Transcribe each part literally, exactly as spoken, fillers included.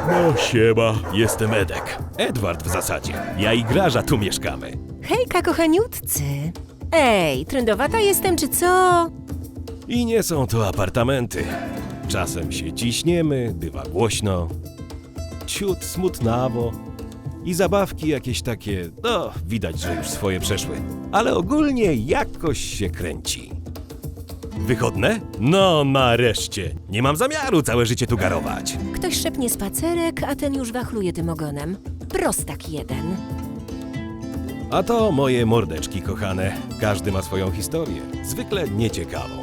No siema, jestem Edek. Edward w zasadzie. Ja i Graża tu mieszkamy. Hejka, kochaniutcy. Ej, trędowata jestem, czy co? I nie są to apartamenty. Czasem się ciśniemy, bywa głośno, ciut smutnawo i zabawki jakieś takie, no widać, że już swoje przeszły. Ale ogólnie jakoś się kręci. Wychodne? No nareszcie. Nie mam zamiaru całe życie tu garować. Ktoś szepnie spacerek, a ten już wachluje tym ogonem. Prostak jeden. A to moje mordeczki kochane. Każdy ma swoją historię, zwykle nieciekawą.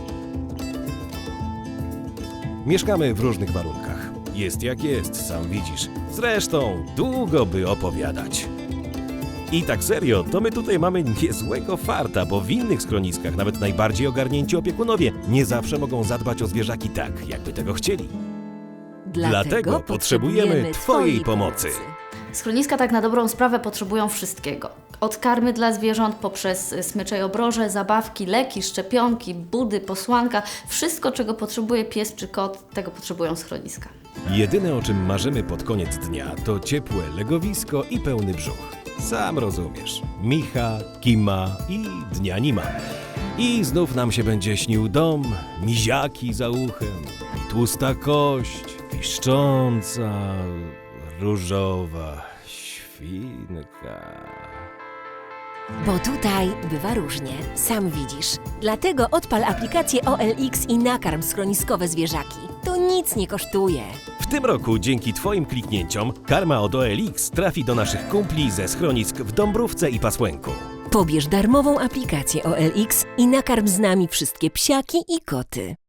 Mieszkamy w różnych warunkach. Jest jak jest, sam widzisz. Zresztą długo by opowiadać. I tak serio, to my tutaj mamy niezłego farta, bo w innych schroniskach nawet najbardziej ogarnięci opiekunowie nie zawsze mogą zadbać o zwierzaki tak, jakby tego chcieli. Dlatego potrzebujemy twojej pomocy. Schroniska tak na dobrą sprawę potrzebują wszystkiego. Od karmy dla zwierząt, poprzez smycze i obroże, zabawki, leki, szczepionki, budy, posłanka. Wszystko, czego potrzebuje pies czy kot, tego potrzebują schroniska. Jedyne, o czym marzymy pod koniec dnia, to ciepłe legowisko i pełny brzuch. Sam rozumiesz. Micha, Kima i dnia nie ma. I znów nam się będzie śnił dom, miziaki za uchem i tłusta kość, piszcząca, różowa świnka. Bo tutaj bywa różnie, sam widzisz. Dlatego odpal aplikację O L X i nakarm schroniskowe zwierzaki. To nic nie kosztuje. W tym roku dzięki Twoim kliknięciom karma od O L X trafi do naszych kumpli ze schronisk w Dąbrówce i Pasłęku. Pobierz darmową aplikację O L X i nakarm z nami wszystkie psiaki i koty.